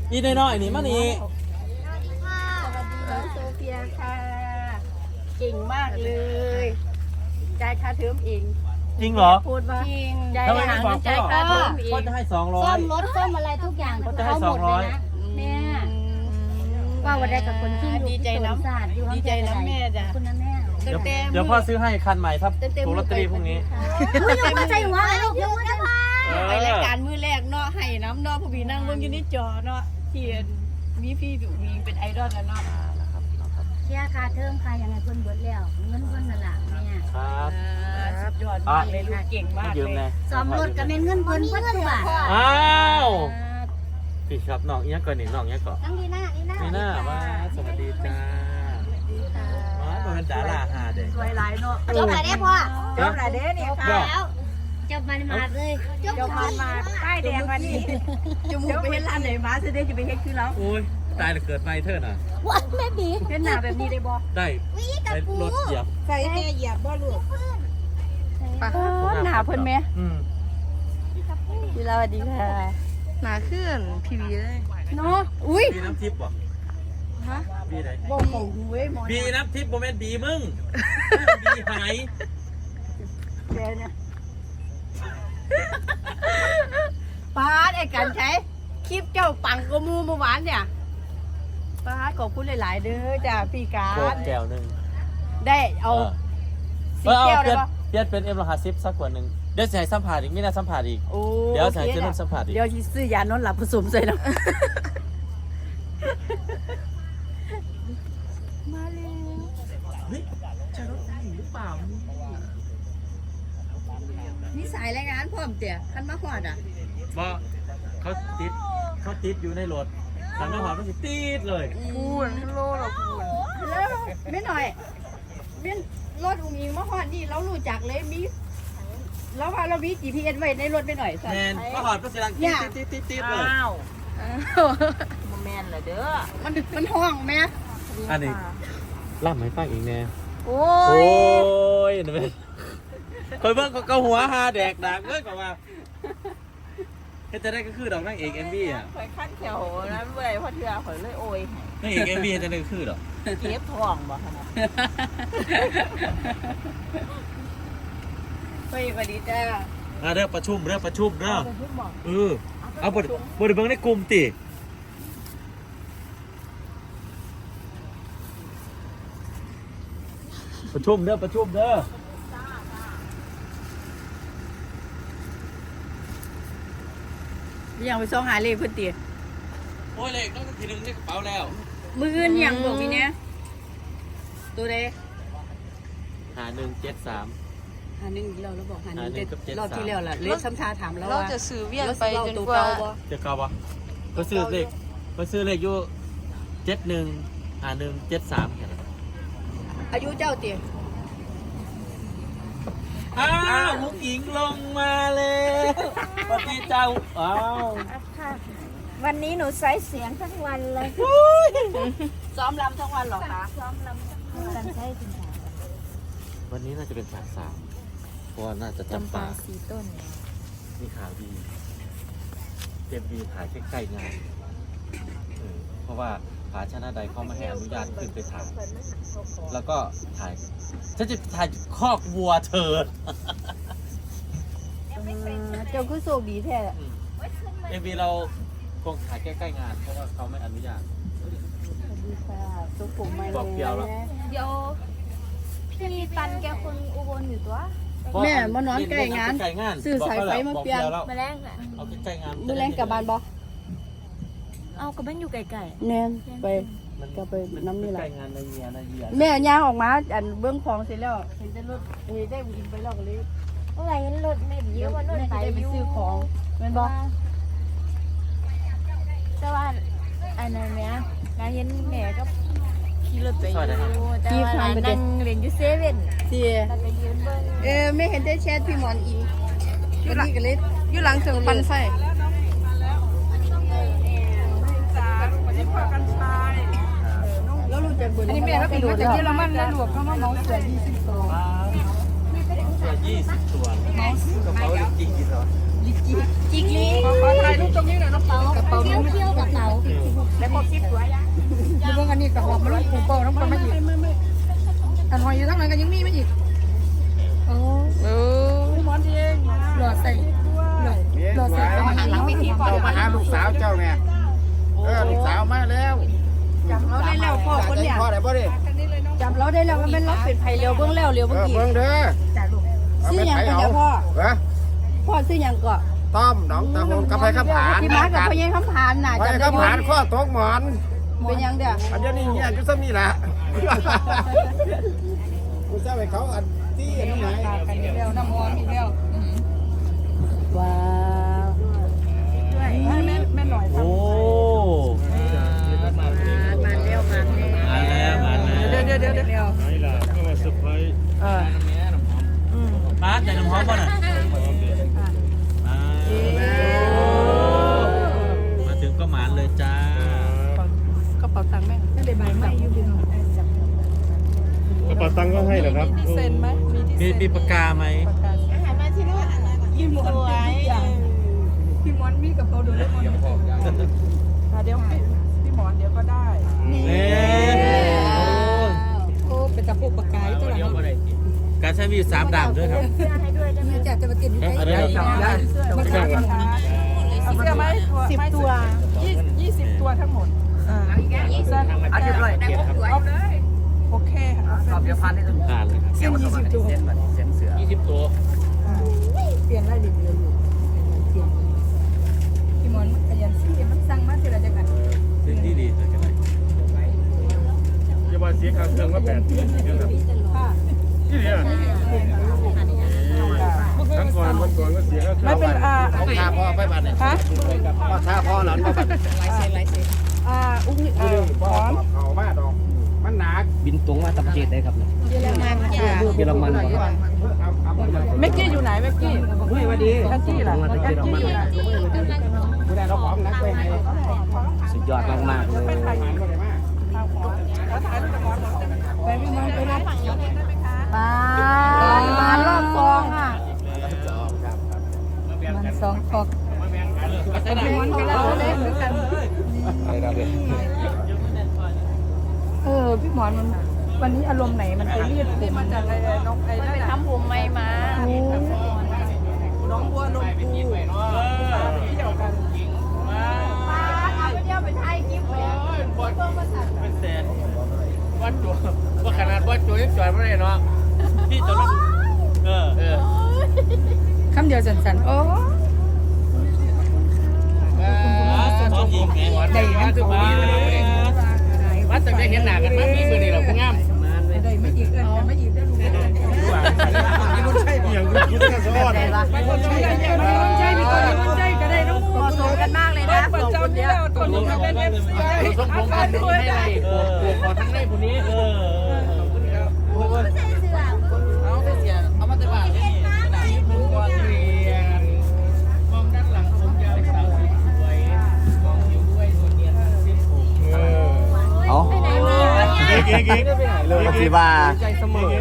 อีน้อยๆนี่มานี่สวัสดีน้องโซเฟียค่ะเก่งมากเลยจ่ายค่าเทอมเองจริงเหรอพูดว่าจริงทำไมไม่บอกจ่ายค่าเทอมเอพ่องจะให้200 ซ่อมรถซ่อมอะไรทุกอย่างเขาจะให้หมดเลยนะ 200 แม่ว่าวันใดกับคนที่อยู่ดีใจน้ำศาสตร์อยู่ดีใจน้ำแม่จ้ะคุณนะแม่เดี๋ยวพ่อซื้อให้คันใหม่ถ้าถูกลอตเตอรี่พรุ่งนี้อุ้ยยังมาใจหัวเลยลูกยังมาใจหัวไปรายการมือแรกเนาะให้น้ำเนาะผู้บีนั่งเบิ่งอยู่ในจอเนาะที่มีพี่ดูมีเป็นไอดอลแล้วเนาะเชียร์ค่าเทอมค่ะยังไงเพิ่นเบิดแล้วเงินเพิ่นนั่นล่ะแม่ครับสุดยอดมากเลยลูกเก่งมากยืมเลเลย ยซ่อมรถก็แม่นเงินเพิ่นเพิ่นทุกบาทอ้าวพี่ครับน้องเอี้ยก่อนนี่น้องเอี้ยก่อนน้องดีน่านี่น่ามาสวัสดีจ้ามาเป็นดาราหาเด็กสวยหลายเนาะจบแล้วเด้พ่อจบแล้วเด้นี่ค่ะแล้วจบมันมาเลยจบมาป้ายแดงวันนี้จมูกไปเห็นร้านไหนมาจะได้จะไปเห็นคือเราโอ้ยตายแล้วเกิดไม่เท่าน่ะว้าแม่บีเห็นหน้าแบบนี้ได้บ่ได้รถเหยียบใส่แม่เหยียบบ่ลูกหน้าเพิ่นแม่ พี่สวัสดีค่ะหนาขึ้นพีวีเลยเนาะอุ้ยบีน้ำทิพย์บ่ฮะบีไหนบ่ของหูเว้ยหมอบีน้ำทิพย์โมเมนต์บีมึงบีหายแกเนี่ยป้าไอ้กันใช้คลิปเจ้าปังกมูเมื่อวานเนี่ยป้าขอบคุณหลายๆเด้อจ้าพี่กาโครตรแก้วหนึ่งได้เอาสิเอาแก้วเปลี่ได้ยนปะเปลี่ยนเป็นM150สักกว่าหนึ่งเดี๋ยวจะให้สัมผัสอีกไม่น่าสัมผัสอีกโอ้เดี๋ยวจะให้เจ้านุ่นสัมผัสอีกเดี๋ยวสิซื้อยานอนหลับผสมใส่แล้วมาเลยเฮ้ยใช่รถหรือเปล่านี่สายรายงานพร้อมเตี่ยคันมาหอดอ่ะว่าเขาติดอยู่ในรถทางน้ำหอมก็สิติดเลยพูนฮัลโหลเหรอพูนแล้วไม่หน่อยเว้นรถอุ้งอิงมาหอดนี่เรารู้จักเลยมีเราว่าเรามี GPS ไว้ในรถไปหน่อยสัแมนมาหอดก็เสียงติดเลยโมเมนต์เหรอเด้อมันห้องไหมอันนี้ล่ำให้ฟังอีกแน่โอ้โอ้ยยนี่เป็นคอยเบิ่งก็หัวหาแดกดักเลยกว่าเฮ็ดจะได้ก็คือดอกนางเอก MV อ่ะข่อยขั้นแถวนั้นเมื่อยพอเทือข่อยเลยโอยให้นางเอก MV เฮ็ดจะได้ก็คือดอกเก็บท้องบ่ขนาดไปสวัสดีจ้าเรื่องประชุมเด้อเอาบ่ได้เบิ่งในกลุ่มติประชุมเด้อยังไปซ่องหาเลขเพื่อนตีโอ้ยเลขต้องทีนึงในกระเป๋าแล้วมืออื่นยังบอกมีเนี้ยตัวใด 5173 หาหนึ่งเราบอกหาหนึ่งหาหนึ่งกับ73 รอบที่แล้วล่ะเลขซ้ำทาถามแล้วเราว่าจะซื้อเวียนเราไปสิเอาจนตัวกว่าเก่าบ่เจ้าเก่าบ่ก็ซื้อเลขอยู่715173แค่นั้นอายุเจ้าตีอ้าวมุกหญิงลงมาเลยสวัสดีเจ้าอ้าวค่ะวันนี้หนูใช้เสียงทั้งวันเลยซ้อมรำทั้งวันหรอคะซ้อมลำกันใช้จริงค่ะวันนี้น่าจะเป็นฉาก3เพราะว่าน่าจะจำปาสีต้นมีข่าวดีเต็มบีถ่ายใกล้ๆงานเพราะว่าผาชนะใดเขาไม่ให้อนุญาตขึ้นไปถ่ายแล้วก็ถ่ายฉันจะถ่ายคอกวัวเธอเจ้าคือโซบีแท้เอ็มบีเราคงถ่ายใกล้ๆงานเพราะว่าเขาไม่อนุญาตสวัสดีค่ะสุขุมไม่บอกเกี่ยวแล้วเดี๋ยวพี่ตันแกคนอุบลอยู่ตัวแม่มานอนใกล้งานใกล้งานซื้อสายไฟมาเปลี่ยนบอกมาแรงอ่ะเอาใกล้ๆงานมือแรงกลับบ้านบ่เอาก็เป็นอยู่ไกลแน่นไปมันก็ไปน้ำนี่แหละใกล้งานในเยียนะเยียแม่ย่างออกมาอันเบื้องของเสร็จแล้วเห็นแต่รถเฮ้ยได้วิ่งไปแล้วก็เลยๆเมื่อไหร่เงินรถไม่ดีว่ารถแม่ไปจะได้ไปอยู่ซื้อของแม่นบ่แต่ว่าอันนั้นแม่นายเห็นแม่ก็ขี่รถไปอยู่แต่ว่านั่งเรียนอยู่เซเว่นเสียนั่นไปยืนเบิ้งไม่เห็นได้แชทพี่หมอนอิงวันนี้ก็เลยอยู่หลังถึงปันไฟแล้วรู้จักเบอร์อันนี้แม่ก็เป็นมาจากเยอรมันแล้วหลวงเขามาเมาเสือ20ตัวเสื้อ20 ตัวกระเป๋าลิกกี้กี่ตัวลิจิกลิขอถ่ายรูปตรงนี้หน่อยน้องเต๋ากระเป๋าเที่ยวกระเป๋าเออดูพวกอันนี้กับหอบมาลูกปูโป้น้องคนมาอีกอันหอยอยู่ทั้งนั้นก็ยังมีมาอีกโอ้หมอนเองหลอดใส่หลอดใส่มาหาเราเจ้ามาหาลูกสาวเจ้าเนี่ยลูกสาวมาแล้วจำเราได้แล้วพ่อคนเนี่ยพ่อได้บ่ดิจำเราได้แล้วมันเป็นเราเป็นไผ่เร็วเบื้องแล้วเร็วเมื่อกี้เบิ่งเด้อซื้อยังก็เดี๋ยวพ่อเหรอพ่อซื้อยังก็ต้อมหนองตะโฮงกับไผคำผานพี่มากับพ่อยังคำผานน่ะไผจำได้คำผานข้อตกหมอนเป็นยังเด้ออันนี้เนี่ยจุดซ้ำนี่แหละกูเจ้าไปเขาอันที่อันนี้ไหนกันอีกแล้วน้ำมอนอีกแล้วว้าวแม่หน่อยโอ้มาแล้วเดี๋ยวนี่ล่ะก็มาเซอร์ไพรส์มาแต่น้ำหอมป่ะน่ะมาถึงก็หมานเลยจ้ากระเป๋าตังค์แม่ไม่ได้ใบไม่อยู่ดีกระเป๋าตังค์ก็ให้เหรอครับมีเซ็นไหมมีปากกาไหมพี่หมอนพี่หมอนมีกระเป๋าดูเล่มอนเดี๋ยวพี่หมอนเดี๋ยวก็ได้โอ้เป็นตะปูปากกาอยู่ตัวละการใช้มีอยู่3ด่างด้วยครับมีจัดจะมาติดอยู่ใกล้ๆมาขายหมอนเสื้อไหม10 ตัว20 ตัวทั้งหมดเอาเรียบร้อยเอาเลยโอเคค่ะผ่านเลยครับเส้น20 ตัว 20 ตัวเปลี่ยนรายละเอียดอยู่เปลี่ยนพี่หมอนมันขยันซี่มันสั่งมาทีละจังอันซึ่งดีๆกันเลยอย่าว่าเสียค่าเครื่องว่า8,000 ค่ะที่เนี่ยทั้งก่อนวันก่อนก็เสียค่าเครื่องไม่เป็นของท่าพ่อไปบ้านเนี่ยฮะพ่อท่าพ่อหลานไปบ้านอุ้งพ่อเขามาดอกมันหนักบินตรงมาตับเจ็ดได้ครับเยอรมันค่ะเยอรมันครับเมกกี้อยู่ไหนเมกกี้เฮ้ยวันดีแอนจี้ล่ะแอนจี้ผู้ใดเราของนักไปให้สุดยอดมากๆเลยไปพี่น้องไปรับมารอบซองอ่ะมัน2ฟอกพี่มอนไปแล้วเล่นด้วยกันพี่หมอนมันวันนี้อารมณ์ไหนมันไปรีดผมมันจากอะไรน้องไอ้นั่นไปทำผมใหม่มาน้องบัวลงปูไปเที่ยวกันเอาไปเที่ยวไปไทยกิ๊บเลยเป็นแสนว่าขนาดว่าตัวยังจอดไม่ได้เนาะพี่ตัวนั้นคำเดียวสั้นๆโอ้ตอนยิงไงได้นะคือว่าวัดแต่ได้เห็นหน้ากันมามีมือนี่หรอคุณงามได้ไม่อีกไม่อีกได้รู้อย่างคุณกันสะอดใช่พี่คนนี้ใช่ก็ได้น้องบัวเหมาะสมกันมากเลยนะสองคนเนี้ยคนนี้เป็นเอฟซีสมพงษ์กันให้ไรปวดคอทั้งในผู้นี้เอาไปเสียเอามาแต่บ้านนี่มึงก่อนเรียนมองด้านหลังผมยาวสาวสวยมองอยู่ด้วยส่วนเนียนทั้งสิ้นผมเอาเก๋เรื่องที่ว่าใจเสมอ